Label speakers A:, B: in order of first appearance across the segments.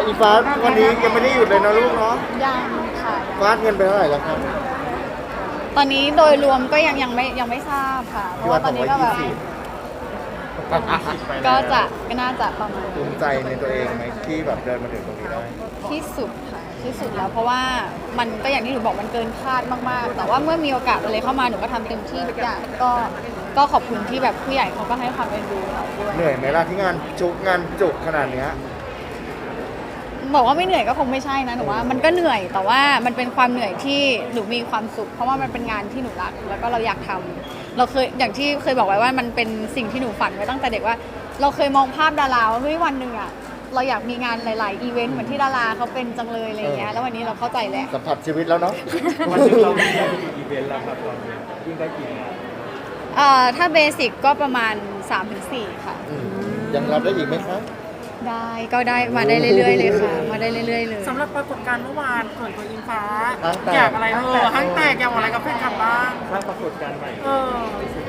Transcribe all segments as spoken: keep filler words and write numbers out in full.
A: อีฟ้าวันนี้ยังไม่ได้หยุดเลยนะลูกเนาะ
B: ยังค่ะ
A: ฟาดเงินไปเท่าไหร่แล้วครับ
B: ตอนนี้โดยรวมก็ยังยังไม่ยังไม่ทราบค่ะเพราะว่าตอนนี้ก็แบบก็จะก็น่าจะประมาณ
A: ภูมิใจในตัวเองไหมที่แบบเดินมาถึงตรงนี้ได้
B: ที่สุดค่ะที่สุดแล้วเพราะว่ามันก็อย่างที่หนูบอกมันเกินคาดมากๆแต่ว่าเมื่อมีโอกาสอะไรเข้ามาหนูก็ทำเต็มที่ทุกอย่างก็ก็ขอบคุณที่แบบผู้ใหญ่เขาก็ให้ความเอ็นดูเราด้วย
A: เหนื่อยไหมล่ะที่งานจุกงานจุกขนาดเนี้ย
B: บอกว่าไม่เหนื่อยก็คงไม่ใช่นะหนูว่ามันก็เหนื่อยแต่ว่ามันเป็นความเหนื่อยที่หนูมีความสุขเพราะว่ามันเป็นงานที่หนูรักแล้วก็เราอยากทำเราเคยอย่างที่เคยบอกไว้ว่ามันเป็นสิ่งที่หนูฝันไว้ตั้งแต่เด็กว่าเราเคยมองภาพดาราว่าเฮ้ยวันหนึ่งอะเราอยากมีงานหลายๆอีเวนต์เหมือนที่ดาราเขาเป็นจังเลยอะไรเงี้ยแล้ววันนี้เราเข้าใจแล้ว
A: สัมผัสชีวิตแล้วเนาะ
C: วันนึงเราได้กี่อีเวนต์แล้วครับตอนนี้ยิ่งได้กี่งาน
B: เอ่อถ้าเบสิกก็ประมาณ สามถึงสี่ ค่ะ
A: ยังรับได้อีกไหมคะ
B: ได้ก็ได้มาได้เรื่อยๆเลยค่ะมาได้เรื่อยๆเลย
D: สำหรับปรากฏการณ์เมื่อวานส่วนตัวอิงฟ้าอยากอะไรเออห้างแตกอยากอะไรกับแฟนคลับบ้าง
C: สร้างปรากฏการณ์ใหม่
D: เออ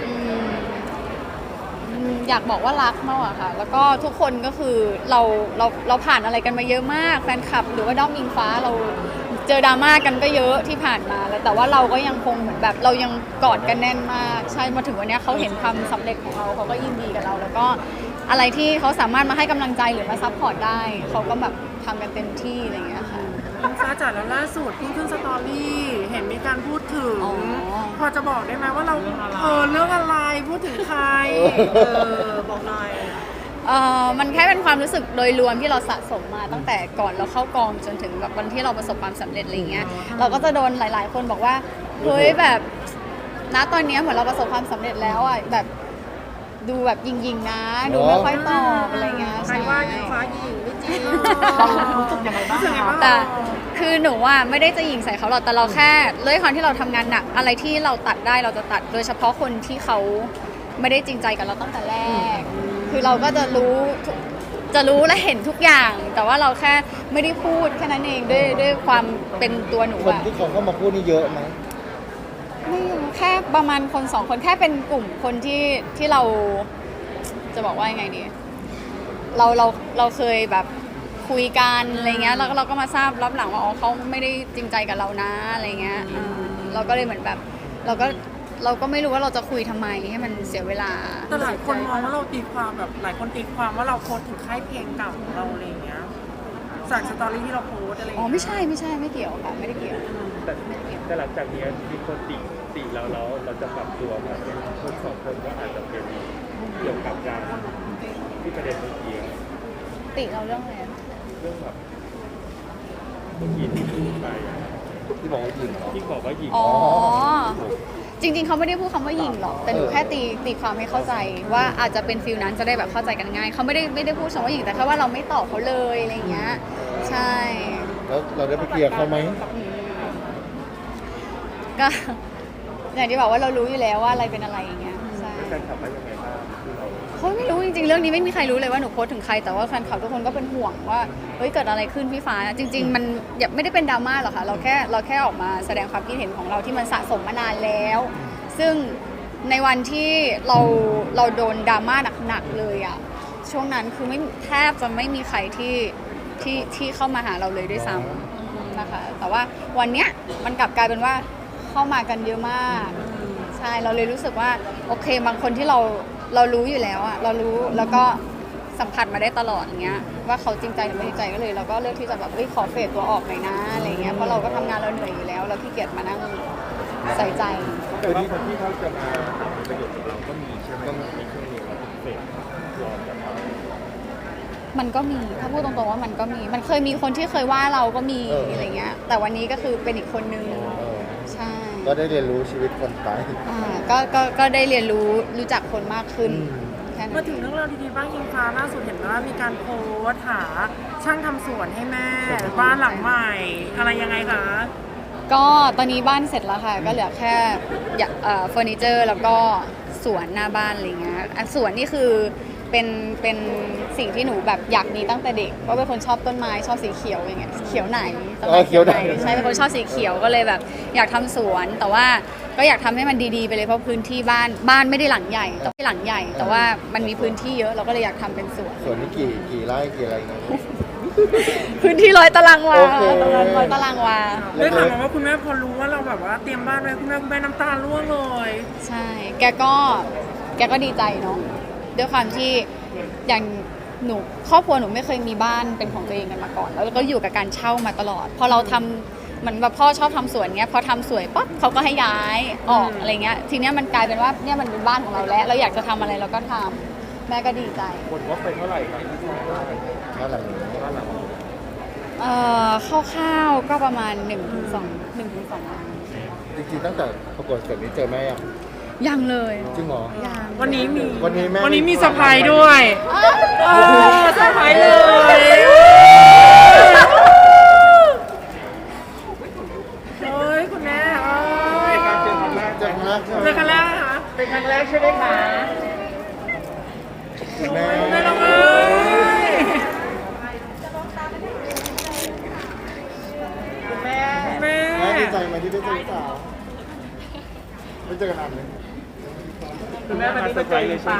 B: อยากบอกว่ารักมากอะค่ะแล้วก็ทุกคนก็คือเราเราเราผ่านอะไรกันมาเยอะมากแฟนคลับหรือว่าด้อมอิงฟ้าเราเจอดราม่ากันก็เยอะที่ผ่านมาแล้วแต่ว่าเราก็ยังคงเหมือนแบบเรายังกอดกันแน่นมากใช่มาถึงวันนี้เขาเห็นความสำเร็จของเราเขาก็ยินดีกับเราแล้วก็อะไรที่เขาสามารถมาให้กำลังใจหรือมาซัพพอร์ตได้เขาก็แบบทำกันเต็มที่อะไรอย่างเงี้ยค่ะ
D: อิงฟ้าจัดแล้วล่าสุดเพิ่งขึ้นสตอรี่เห็นมีการพูดถึงพอจะบอกได้ไหมว่าเราเออเรื่องอะไรพูดถึงใครเออบอกหน่อย
B: เอ่อมันแค่เป็นความรู้สึกโดยรวมที่เราสะสมมาตั้งแต่ก่อนเราเข้ากองจนถึงแบบวันที่เราประสบความสำเร็จอะไรเงี้ยเราก็จะโดนหลายๆคนบอกว่าเฮ้ยแบบณตอนนี้เหมือนเราประสบความสำเร็จแล้วอ่ะแบบดูแบบยิงๆนะดูไม่ค่อยตอบอะไรเงี้ย
D: ใช่ว่าอิงฟ้ายิงไม่จริงรู้สึกยังไงบ้าง
B: แต่คือหนูว่าไม่ได้จะยิงใส่เขาหรอกแต่เราแค่ด้วยความที่เราทำงานหนักอะไรที่เราตัดได้เราจะตัดโดยเฉพาะคนที่เขาไม่ได้จริงใจกับเราตั้งแต่แรกคือเราก็จะรู้จะรู้และเห็นทุกอย่างแต่ว่าเราแค่ไม่ได้พูดแค่นั้นเองด้วยด้วยความเป็นตัวหนู
A: คนที่เขาเข้ามาพูดนี่เยอะไหม
B: ไม่แค่ประมาณคนสองคนแค่เป็นกลุ่มคนที่ที่เราจะบอกว่ายังไงดีเราเราเราเคยแบบคุยกันอะไรเงี้ยแล้วเราก็มาทราบรับหลังว่าอ๋อเขาไม่ได้จริงใจกับเรานะอะไรเงี้ยเราก็เลยเหมือนแบบเราก็เราก็ไม่รู้ว่าเราจะคุยทำไมให้มันเสียเวลา
D: แต่หลายคนมองว่าเราตีความแบบหลายคนตีความว่าเราโพสถึงค่ายเพลงเก่าของเราอะไรเงี้ยจากสตอรี่ที่เราโพสอะไรอ๋
B: อไม่ใช่ไม่ใช่ไม่เกี่ยวค่ะไม่ได้เกี่ยว
C: แต่แต่หลังจากนี้มีคนติติเราแล้วเราจะปรับตัวมาคนสองคนก็อาจจะเป็นเกี่ยวกับการที่ประเด็นเมื่อกี้
B: ติเราเรื่องอะไร
C: เรื่องแบบเมื่อกี้ที่พูดไป
A: ที่บอกว่ายิง
C: ที่บอกว่ายิง
B: อ๋อจริงๆเขาไม่ได้พูดคำว่ายิงหรอกแต่หนูแค่ตีตีความให้เข้าใจว่าอาจจะเป็นฟิลนั้นจะได้แบบเข้าใจกันง่ายเขาไม่ได้ไม่ได้พูดคำว่ายิงแต่แค่ว่าเราไม่ตอบเขาเลยอะไรเงี้ยใช่
A: แล้วเราได้ไปเคลียร์เขาไหม
B: ก็อย่างที่บอกว่าเรารู้อยู่แล้วว่าอะไรเป็นอะไรอย่างเงี้ยใช่
C: แฟนคลับว่ายังไงบ้าง
B: เขาไม่รู้จริงๆเรื่องนี้ไม่มีใครรู้เลยว่าหนูโพสถึงใครแต่ว่าแฟนคลับทุกคนก็เป็นห่วงว่าเฮ้ยเกิดอะไรขึ้นพี่ฟ้าจริงๆมันไม่ได้เป็นดราม่าหรอกค่ะเราแค่เราแค่ออกมาแสดงความคิดเห็นของเราที่มันสะสมมานานแล้วซึ่งในวันที่เราเราโดนดราม่าหนักๆเลยอ่ะช่วงนั้นคือไม่แทบจะไม่มีใครที่ที่ที่เข้ามาหาเราเลยด้วยซ้ำนะคะแต่ว่าวันเนี้ยมันกลับกลายเป็นว่าเข้ามากันเยอะมากใช่เราเลยรู้สึกว่าโอเคบางคนที่เราเรารู้อยู่แล้วอะเรารู้แล้วก็สัมผัสมาได้ตลอดอย่างเงี้ยว่าเขาจริงใจหรือไม่จริงใจก็เลยเราก็เลือกที่จะแบบเอ้ยขอเฟดตัวออกหน่อยนะอะไรเงี้ยเพราะเราก็ทำงานเราเหนื่อยอยู่แล้วเราขี้เกียจมานั่งใส่ใจ
C: แต่ว่าคนที่เขาจะมาทำประโยชน์กับเราก็มีใช่ไหมมีช่วงนี้เราเฟดรอจากเขา
B: มันก็มีถ้าพูดตรงๆว่ามันก็มีมันเคยมีคนที่เคยว่าเราก็มีอะไรเงี้ยแต่วันนี้ก็คือเป็นอีกคนนึงใช่
A: ก็ได้เรียนรู้ชีวิตคนไป
B: อ่าก็ก็ก็ได้เรียนรู้รู้จักคนมากขึ้น
D: มาถึงเรื่องราวดีๆบ้างอิงฟ้าล่าสุดเห็นว่ามีการโพสต์หาช่างทำสวนให้แม่บ้านหลังใหม่อะไรยังไงคะ
B: ก็ตอนนี้บ้านเสร็จแล้วค่ะก็เหลือแค่เฟอร์นิเจอร์แล้วก็สวนหน้าบ้านอะไรเงี้ยสวนนี่คือเป็นเป็นสิ่งที่หนูแบบอยากมีตั้งแต่เด็กว่าเป็นคนชอบต้นไม้ชอบสีเขียวอย่างเงี้ยเขียวไหนต้นไม้
A: เขียวไหน
B: ใช่เป็นคนชอบสีเขียวก็เลยแบบอยากทำสวนแต่ว่าก็อยากทำให้มันดีๆไปเลยเพราะพื้นที่บ้านบ้านไม่ได้หลังใหญ่แต่หลังใหญ่แต่ว่ามันมีพื้นที่เยอะเราก็เลยอยากทำเป็นสวน
A: สวนนี่กี่กี่ไร่กี่อะไรเงี้ย
B: พื้นที่ร้อยตารางวา
A: โอเค
B: ตรงนั้นร้อยตารางวา
D: ได้ข่าวมาว่าคุณแม่พอรู้ว่าเราแบบว่าเตรียมบ้านไว้คุณแม่คุณแม่น้ำตาร่วงเลย
B: ใช่ แกก็แกก็ดีใจเนาะด้วยความที่อย่างหนูครอบครัวหนูไม่เคยมีบ้านเป็นของตัวเองกันมาก่อน แล้วก็อยู่กับการเช่ามาตลอด พอเราทำเหมือนแบบพ่อชอบทำสวนเงี้ยพอทำสวยปั๊บเขาก็ให้ย้ายออกอะไรเงี้ยทีเนี้ยมันกลายเป็นว่าเนี่ยมันเป็นบ้านของเราแล้วเราอยากจะทำอะไรเราก็ทำแม่ก็ดีใจ
C: หมดงบไปเท่าไหร่ครับ
A: บ้านหลังนี้
C: บ้านหลัง
B: เอ่อคร่าวๆก็ประมาณ1นึ่งถึงสองหนึ่งถึงสองล้าน
A: จริงๆตั้งแต่ประกวดเสร็จนี้เจอแม่ยัง
B: ยังเลย
A: จริงเหรอ
B: ยัง
D: วันนี้มี
A: วันนี้แม่
D: วันนี้มีเซอร์ไพรส์ด้วยเออเซอร์ไพรส์เลย โอ้ยคุณแม่โอ้ย
C: การเจอครั้งแรก
A: เจอครั้งแรกใช่ไหม
D: เจอครั้งแรกเหรอคะ
C: เป็นครั้งแรกใช่ไหมคะ
A: แม่
D: แม่ร้องไห้
C: คุณแม่
D: แม่
A: แม่ดีใจไหมที่ได้เจอลูกสาวไม่เจอกันนานเลย
C: คุณแม่มาเซอร์ไพรส์เลยใช่ไหม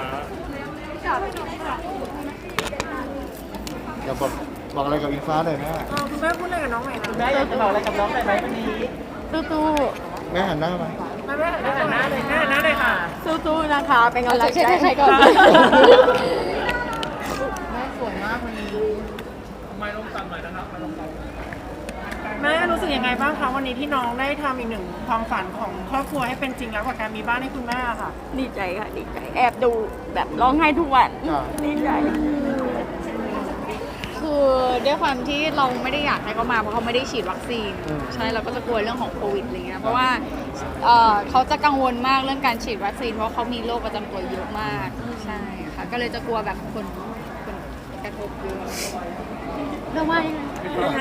A: อยากบอกบอกอะไรกับอิงฟ้าหน่อยแม่
D: เออคุณแม่พูดอะไรกับน้องหน่อยนะ
C: แม่อยากจะบอกอะไรกับน้องหน่อยไหมวันนี้
B: ตู้
A: แม่หันหน้ามา
D: แม่แม่หันหน้าเลยแม่หันหน้าเลยค่ะ
B: ตู้ๆนะคะเป็นกำลังใจให้ใครก่อน
C: ไม่ต้องตังหน่อยนะครับไม่ต้องตัง
D: แม่รู้สึกยังไงบ้างคะวันนี้ที่น้องได้ทำอีกหนึ่งความฝันของครอบครัวให้เป็นจริงแล้วกับการมีบ้านให้คุณแม่ค่ะ
E: ดีใจค่ะดีใจแอบดูแบบร้องไห้ทุกวัน
A: จ้ะ
E: ดีใจ
B: คือด้วยความที่เราไม่ได้อยากให้เขามาเพราะเขาไม่ได้ฉีดวัคซีนใช่เราก็จะกลัวเรื่องของโควิดอะไรเงี้ยเพราะว่าเอ่อเขาจะกังวลมากเรื่องการฉีดวัคซีนเพราะเขามีโรคประจำตัวเยอะมากใช่ค่ะก็เลยจะกลัวแบบคนคนกระทบเยอะเรื่องว่ายังไง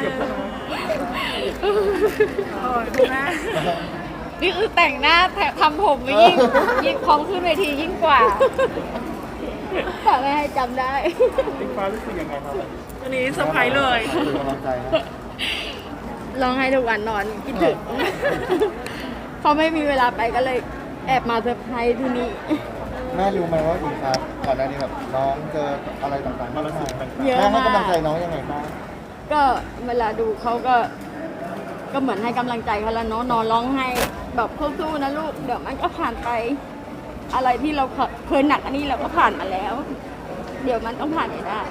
D: โอ้ยคุณแม่
B: นี่คือแต่งหน้าแต่ทำผมไม่ยิ่งยิ่งพร้อมขึ้นเวทียิ่งกว่าแต่ไม่ให้จำได้
C: อิงฟ้ารู้สึกยังไงครับ
D: วันนี้เซอร์ไพรส์เลย
A: เป็นกำลังใจนะ
E: ร้องไห้ทุกวันนอนคิดถึง พอไม่มีเวลาไปก็เลยแอบมาเซอร์ไพรส์ที่นี่
A: แม่รู้ไหมว่าอิงฟ้าก่อนหน้านี้แบบน้องเจออะไรต่างๆมากมาย
E: เยอะ
A: แม่ให้
E: มาก
A: กำลังใจน้องยังไงบ้าง
E: ก็เวลาดูเขาก็ ก็เหมือนให้กำลังใจเขาแล้วเนาะนอนร้องไห้แบบสู้ๆนะลูกเดี๋ยวมันก็ผ่านไป อะไรที่เราเคยหนักอันนี้เราก็ผ่านมาแล้ว เดี๋ยวมันต้องผ่านไปได้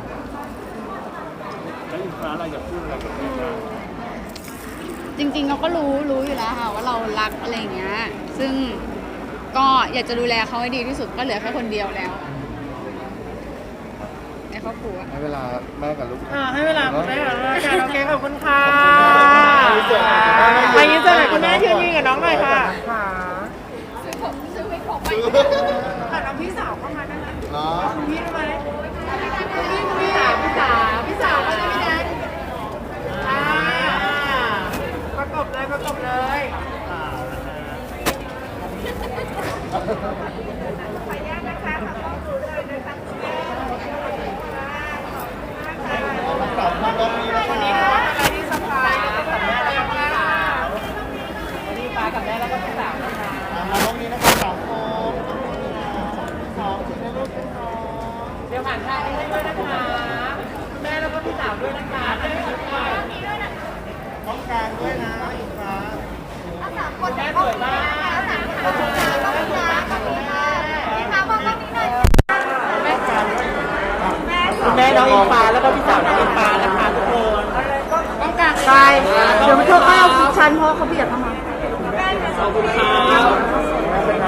C: แล้วอิงฟ้าเราอยากพูดอะไรกับแม่บ้าง
B: จริงๆเราก็รู้รู้อยู่แล้วค่ะว่าเรารักอะไรอย่างเงี้ย ซึ่งก็อยากจะดูแลเขาให้ดีที่สุดก็เหลือแค่คนเดียวแล้วในครอบครัว
A: ให้เวลาแม่กับลูก
D: อ่าให้เวลาคุณแม่กับน้องค่ะโอเคขอบคุณค่ะ
A: ขอบคุณค่ะ
D: ไปยืนเจอหน่อยคุณแม่ยืนยืนกับน้องหน่อยค่ะค่ะ
A: ซื้อ
D: ค่ะน้องพี่สาวเข้ามาได้ไหม
A: เนาะ
D: พี่ได้ไหม
B: พี่สาวพี่สาวพี่สาวก็จะพี่แดน
D: อ่าประกบเลยประกบเลย
A: กลับมาตรงนี้นะคะ
D: วันนี้ถือว่าเป็นอะไรที่สบายกับแม่แล้วก็พี่สาววันนี้ฟ้ากับแม่แล้วก็พี่สาวนะคะ
A: มาตรงนี้นะคะสามคนสองถึงให้ลูกเป็นสอง
D: เดี๋ยวผ่านทางนี้ให้ด้วยนะคะคุณแม่แล้วก็พี่สาวด้วยนะคะแม่ด้วยนะคะ
A: ต้องกลางด้วยนะอิงฟ้า
D: คุณแม่สวยมากขอบคุณค่ะขอบคุณค่ะขอบคุณค่ะพี่ฟ้ามองกล้องนี้หน่อยคุณแม่น้องอิงฟ้าแล้วก็พี่สาวน้องอิงฟ้านะคะทุกคน
E: ต้องการใช่เดี๋ยวมันเธอเข้าคิดชันเพราะเขาเบียดเข้ามา
D: ขอบคุณค่ะ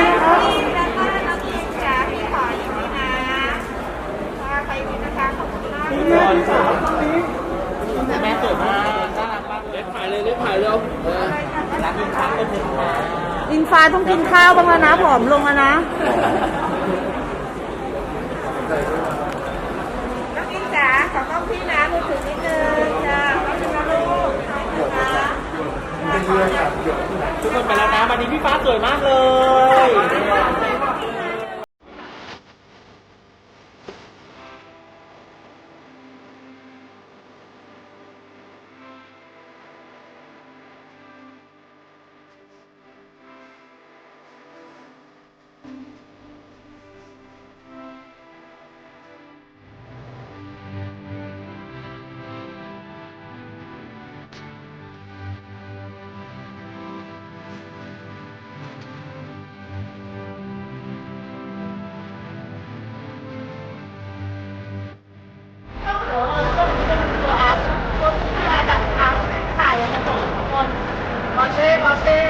D: แม่สวยมากน่ารักมากเล็บถ่ายเลยเล็บถ่ายเร็วรักอิงฟ้าเป็นหนึ่งนะ
E: อิงฟ้าต้องกินข้าวบ้างแล้วนะผอมลงแล้วนะ
F: น้องอิงจ๋าขอกล้องพี่นะมือถือนิดนึงจ้าขอบคุณนะลูกขอบคุณนะ
D: ทุกคนไปแล้วนะวันนี้พี่ฟ้าสวยมากเลย
A: เ
F: เต้